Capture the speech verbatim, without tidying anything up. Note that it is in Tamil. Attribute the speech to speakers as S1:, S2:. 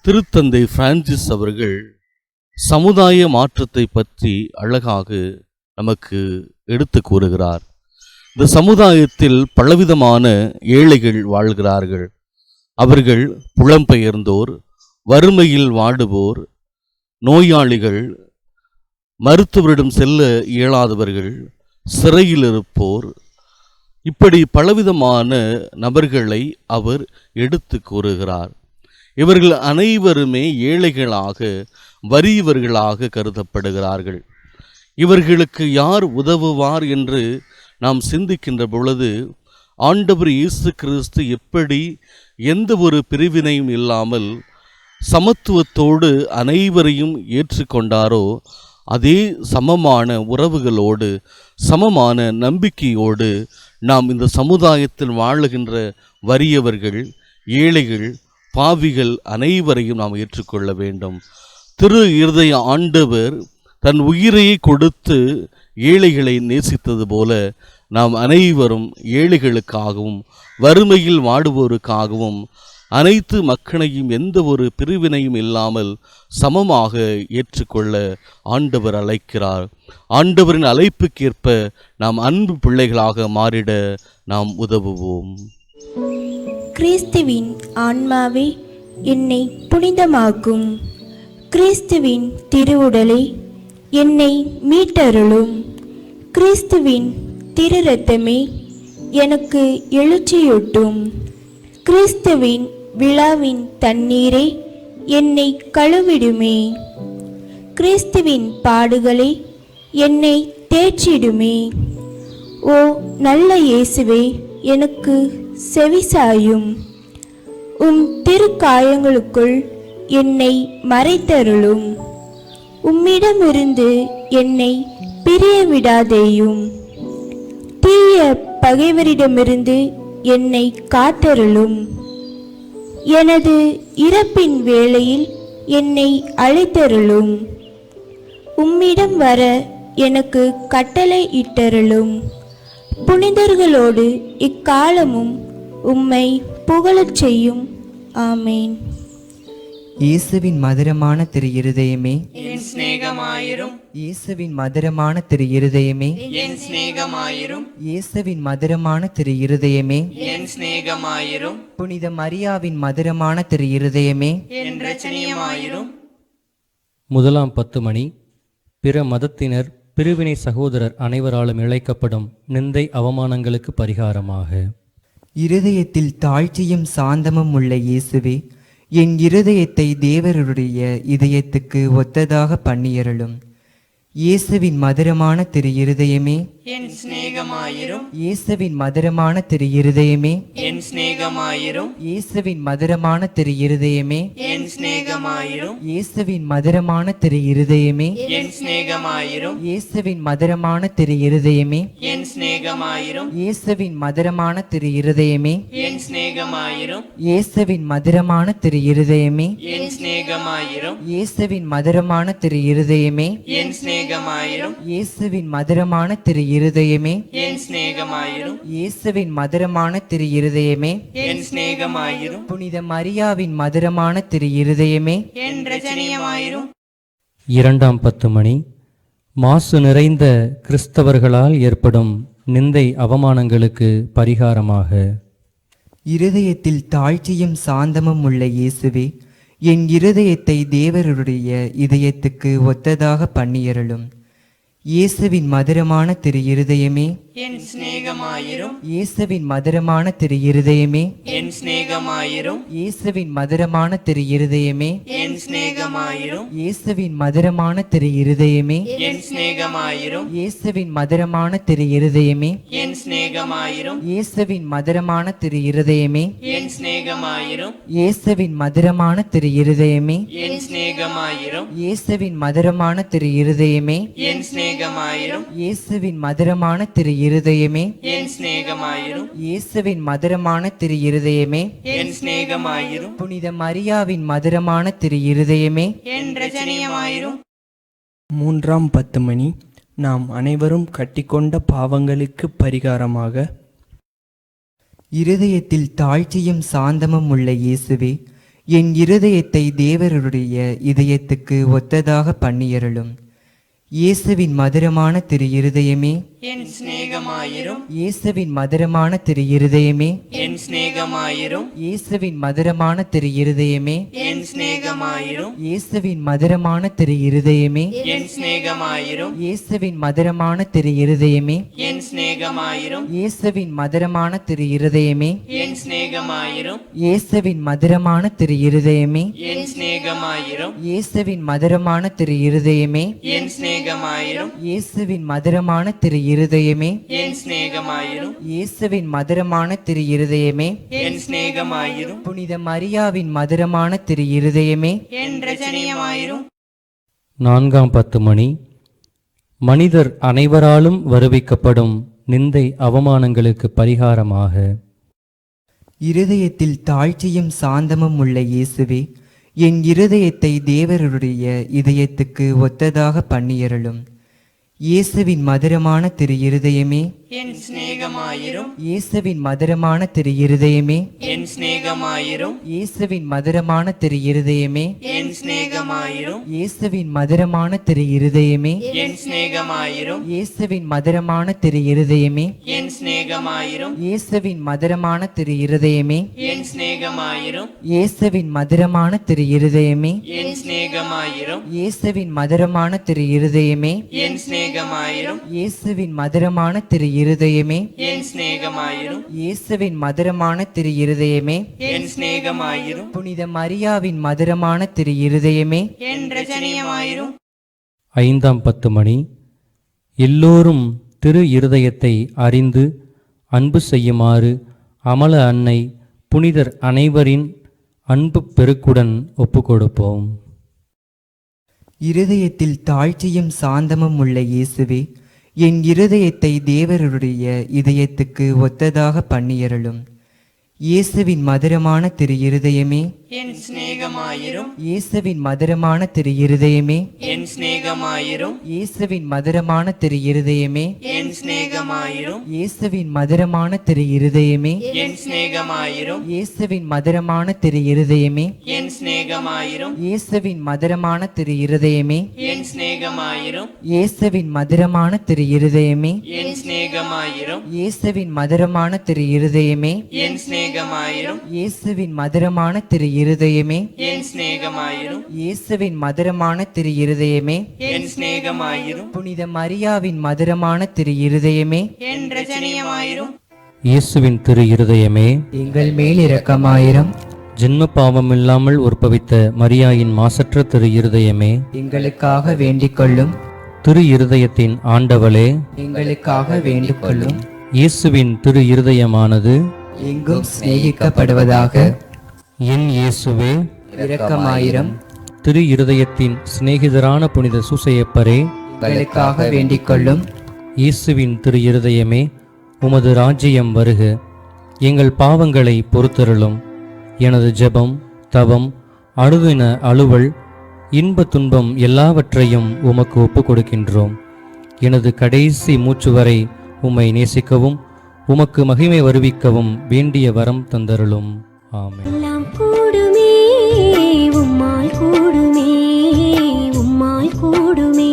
S1: திருத்தந்தை பிரான்சிஸ் அவர்கள் சமுதாய மாற்றத்தை பற்றி அழகாக நமக்கு எடுத்து கூறுகிறார். இந்த சமுதாயத்தில் பலவிதமான ஏழைகள் வாழ்கிறார்கள். அவர்கள் புலம்பெயர்ந்தோர், வறுமையில் வாடுவோர், நோயாளிகள், மருத்துவரிடம் செல்ல இயலாதவர்கள், சிறையில் இருப்போர், இப்படி பலவிதமான நபர்களை அவர் எடுத்து கூறுகிறார். இவர்கள் அனைவருமே ஏழைகளாக, வறியவர்களாக கருதப்படுகிறார்கள். இவர்களுக்கு யார் உதவுவார் என்று நாம் சிந்திக்கின்ற பொழுது, ஆண்டவர் இயேசு கிறிஸ்து எப்படி எந்த ஒரு பிரிவினையும் இல்லாமல் சமத்துவத்தோடு அனைவரையும் ஏற்றுக்கொண்டாரோ, அதே சமமான உறவுகளோடு, சமமான நம்பிக்கையோடு நாம் இந்த சமுதாயத்தில் வாழுகின்ற வறியவர்கள், ஏழைகள், பாவிகள் அனைவரையும் நாம் ஏற்றுக்கொள்ள வேண்டும். திரு இருதய ஆண்டவர் தன் உயிரையை கொடுத்து ஏழைகளை நேசித்தது போல நாம் அனைவரும் ஏழைகளுக்காகவும் வறுமையில் வாடுவோருக்காகவும் அனைத்து மக்களையும் எந்த ஒரு பிரிவினையும் இல்லாமல் சமமாக ஏற்றுக்கொள்ள ஆண்டவர் அழைக்கிறார். ஆண்டவரின் அழைப்புக்கேற்ப நாம் அன்பு பிள்ளைகளாக மாறிட நாம் உதவுவோம்.
S2: கிறிஸ்துவின் ஆன்மாவே என்னை புனிதமாக்கும். கிறிஸ்துவின் திருவுடலை என்னை மீட்டருளும். கிறிஸ்துவின் திரு இரத்தமே எனக்கு எழுச்சியூட்டும். கிறிஸ்துவின் விழாவின் தண்ணீரை என்னை கழுவிடுமே. கிறிஸ்துவின் பாடுகளை என்னை தேற்றிடுமே. ஓ நல்ல இயேசுவே, எனக்கு செவிசாயும். உம் திருக்காயங்களுக்குள் என்னை மறைத்தருளும். உம்மிடமிருந்து என்னை பிரிய விடாதேயும். தீய பகைவரிடமிருந்து என்னை காத்தருளும். எனது இறப்பின் வேளையில் என்னை அழைத்தருளும். உம்மிடம் வர எனக்கு கட்டளை இட்டருளும். புனிதர்களோடு இக்காலமும் உம்மை புகழச் செய்யும். ஆமேன்.
S3: இயேசுவின் மதுரமான திரு இருதயமே
S4: என் சிநேகமாயிரும்.
S3: இயேசுவின் மதுரமான திரு இருதயமே
S4: என் சிநேகமாயிரும்.
S3: இயேசுவின் மதுரமான திரு இருதயமே
S4: என் சிநேகமாயிரும்.
S3: புனித மரியாவின் மதுரமான திரு இருதயமே
S4: என் இரட்சணியமாயிரும்.
S5: முதலாம் பத்து மணி. பிற மதத்தினர், பிரிவினை சகோதரர் அனைவராலும் இழைக்கப்படும் நிந்தை அவமானங்களுக்கு பரிகாரமாக.
S3: இருதயத்தில் தாழ்ச்சியும் சாந்தமும் உள்ள இயேசுவே, என் இருதயத்தை தேவருடைய இதயத்துக்கு ஒத்ததாக பண்ணியருளும். இயேசுவின் மதுரமான திரு இருதயமே
S4: என் சிநேகமாயிரும்.
S3: இயேசுவின் மதுரமான திரு இருதயமே
S4: என் சிநேகமாயிரும்.
S3: இயேசுவின் மதுரமான திரு இருதயமே
S4: என் சிநேகமாயிரும்.
S3: இயேசுவின் மதுரமான திரு இருதயமே
S4: என் சிநேகமாயிரும்.
S3: இயேசுவின் மதுரமான திரு இருதயமே
S4: என் சிநேகமாயிரும்.
S3: இயேசுவின் மதுரமான திரு இருதயமே
S4: என் சிநேகமாயிரும்.
S3: இயேசுவின் மதுரமான திரு இருதயமே
S4: என் சிநேகமாயிரும்.
S3: இயேசுவின் மதுரமான திரு இருதயமே
S4: என் சிநேகமாயிரும்.
S3: இயேசுவின் மதுரமான திரு இருதயமே
S4: என் சிநேகமாயிரும்.
S3: இயேசுவின் மதுரமான திரு இருதயமே
S4: என் சிநேகமாயிரும்.
S3: புனித மரியாவின் மதுரமான திரு இருதயமே
S4: என் இரட்சணியமாயிரும்.
S5: இரண்டாம் பத்து மணி. மாசு நிறைந்த கிறிஸ்தவர்களால் ஏற்படும் நிந்தை அவமானங்களுக்கு பரிகாரமாக.
S3: இருதயத்தில் தாழ்ச்சியும் சாந்தமும் உள்ள இயேசுவே, என் இருதயத்தை தேவருடைய இதயத்துக்கு ஒத்ததாக பண்ணியருளும். இயேசுவின் மதுரமான திரு இருதயமே
S4: என் சிநேகமாயிரும்.
S3: இயேசுவின் மதுரமான திரு இருதயமே
S4: என் சிநேகமாயிரும்.
S3: இயேசுவின் மதுரமான திரு இருதயமே
S4: என் சிநேகமாயிரும்.
S3: இயேசுவின் மதுரமான திரு இருதயமே
S4: என் சிநேகமாயிரும்.
S3: இயேசுவின் மதுரமான திரு இருதயமே
S4: என் சிநேகமாயிரும்.
S3: இயேசுவின் மதுரமான திரு இருதயமே
S4: என் சிநேகமாயிரும்.
S3: இயேசுவின் மதுரமான திரு இருதயமே
S4: என் சிநேகமாயிரும்.
S3: இயேசுவின் மதுரமான திரு இருதயமே
S4: என் சிநேகமாயிரும்.
S3: இயேசுவின் மதுரமான திரு இருதயமே
S4: என் சிநேகமாயிரும்.
S3: இயேசுவின் மதுரமான திரு இருதயமே
S4: என் சிநேகமாயிரும்.
S3: புனித மரியாவின் மதுரமான திரு இருதயமே
S4: என் இரட்சணியமாயிரும்.
S6: மூன்றாம் பத்து மணி. நாம் அனைவரும் கட்டிக்கொண்ட பாவங்களுக்கு பரிகாரமாக.
S3: இருதயத்தில் தாழ்ச்சியும் சாந்தமும் உள்ள இயேசுவே, என் இருதயத்தை தேவருடைய இதயத்துக்கு ஒத்ததாக பண்ணியருளும். இயேசுவின் மதுரமான திரு இருதயமே,
S4: என் சிநேகமாயிரும்.
S3: இயேசுவின் மதுரமான திரு இருதயமே,
S4: என் சிநேகமாயிரும்.
S3: இயேசுவின் மதுரமான திரு இருதயமே,
S4: என் சிநேகமாயிரும்.
S3: இயேசுவின் மதுரமான திரு இருதயமே,
S4: என் சிநேகமாயிரும்.
S3: இயேசுவின் மதுரமான திரு இருதயமே,
S4: என் சிநேகமாயிரும்.
S3: இயேசுவின் மதுரமான திரு இருதயமே,
S4: என் சிநேகமாயிரும்.
S3: இயேசுவின் மதுரமான திரு இருதயமே,
S4: என் சிநேகமாயிரும்.
S3: இயேசுவின் மதுரமான திரு இருதயமே,
S4: என் சிநேகமாயிரும்.
S3: இயேசுவின் மதுரமான திரு இருதயமே,
S4: என் சிநேகமாயிரும்.
S3: இயேசுவின் மதுரமான திரு இருதயமே,
S4: என் சிநேகமாயிரும்.
S3: புனித மரியாவின் மதுரமான திரு இருதயமே,
S4: என் ரஜனியமாயிரும்.
S5: நான்காம் பத்து மணி. மனிதர் அனைவராலும் வருவிக்கப்படும் நிந்தை அவமானங்களுக்கு பரிகாரமாக
S3: இருதயத்தில் தாழ்ச்சியும் சாந்தமும் உள்ள இயேசுவே, என் இருதயத்தை தேவருடைய இதயத்துக்கு ஒத்ததாக பண்ணியருளும். இயேசுவின் மதுரமான திரு இருதயமே,
S4: என் சிநேகமாயிரும்.
S3: இயேசுவின் மதுரமான திரு இருதயமே,
S4: என் சிநேகமாயிரும்.
S3: இயேசுவின் மதுரமான திரு இருதயமே,
S4: என் சிநேகமாயிரும்.
S3: இயேசுவின் மதுரமான திரு இருதயமே,
S4: என் சிநேகமாயிரும்.
S3: இயேசுவின் மதுரமான திரு இருதயமே,
S4: என் சிநேகமாயிரும்.
S3: இயேசுவின் மதுரமான திரு இருதயமே,
S4: என் சிநேகமாயிரும்.
S3: இயேசுவின் மதுரமான திரு இருதயமே,
S4: என் சிநேகமாயிரும்.
S3: இயேசுவின் மதுரமான திரு இருதயமே,
S4: என் சிநேகமாயிரும்.
S3: இயேசுவின் மதுரமான திரு இருதயமே,
S4: என் சிநேகமாயிரும்.
S3: இயேசுவின் மதுரமான திரு இருதயமே,
S4: என் சிநேகமாயிரும்.
S3: புனித மரியாவின் மதுரமான திரு இருதயமே,
S4: என் ரஜனியமாயிரும்.
S5: ஐந்தாம் பத்து மணி. எல்லோரும் திரு இருதயத்தை அறிந்து அன்பு செய்யுமாறு அமல அன்னை புனிதர் அனைவரின் அன்பு பெருக்குடன் ஒப்புக்கொடுப்போம்.
S3: இருதயத்தில் தாழ்ச்சியும் சாந்தமும் உள்ள இயேசுவே, என் இருதயத்தை தேவருடைய இதயத்துக்கு ஒத்ததாக பண்ணியருளும். இயேசுவின் மதுரமான திரு இருதயமே,
S4: என் சிநேகமாயிரும்.
S3: இயேசுவின் மதுரமான திரு இருதயமே,
S4: என் சிநேகமாயிரும்.
S3: இயேசுவின் மதுரமான திரு இருதயமே,
S4: என் சிநேகமாயிரும்.
S3: இயேசுவின் மதுரமான திரு இருதயமே,
S4: என் சிநேகமாயிரும்.
S3: இயேசுவின் மதுரமான திரு இருதயமே,
S4: என் சிநேகமாயிரும்.
S3: இயேசுவின் மதுரமான திரு இருதயமே,
S4: என் சிநேகமாயிரும்.
S3: இயேசுவின் மதுரமான திரு இருதயமே,
S4: என் சிநேகமாயிரும்.
S3: இயேசுவின் மதுரமான திரு இருதயமே,
S4: என் சிநேகமாயிரும்.
S3: இயேசுவின் மதுரமான திரு இருதயமே,
S4: என் சிநேகமாயிரும்.
S3: இயேசுவின் மதுரமான திரு இருதயமே,
S4: என் சிநேகமாயிரும்.
S3: புனித மரியாவின் மதுரமான திரு இருதயமே,
S4: என் ரஜனியமாயிரும்.
S5: இயேசுவின் திரு இருதயமே,
S3: எங்கள் மேல் இரக்கமாயிரம்.
S5: ஜென்ம பாவமில்லாமல் உற்பவித்த மரியாயின் மாசற்ற திரு இருதயமே,
S3: எங்களுக்காக வேண்டிக் கொள்ளும்.
S5: திரு இருதயத்தின் ஆண்டவளே,
S3: எங்களுக்காக வேண்டிக் கொள்ளும்.
S5: இயேசுவின் திரு இருதயமானது
S3: எங்கும் சிநேகிக்கப்படுவதாக.
S5: என் இயேசுவே,
S3: இரக்கமாயிரம்.
S5: திரு இருதயத்தின் சிநேகிதரான புனித சூசையப்பரே,
S3: எங்களுக்காக வேண்டிக் கொள்ளும்.
S5: இயேசுவின் திரு இருதயமே, உமது ராஜ்யம் வருக. எங்கள் பாவங்களை பொறுத்தருளும். எனது ஜெபம், தவம், அணுதின அலுவல், இன்ப துன்பம் எல்லாவற்றையும் உமக்கு ஒப்புக் கொடுக்கின்றோம். எனது கடைசி மூச்சு வரை உம்மை நேசிக்கவும் உமக்கு மகிமை வருவிக்கவும் வேண்டிய வரம் தந்தருளும். ஆமென்.
S7: எல்லாம் கூடுமே உம்மால் கூடுமே உம்மால் கூடுமே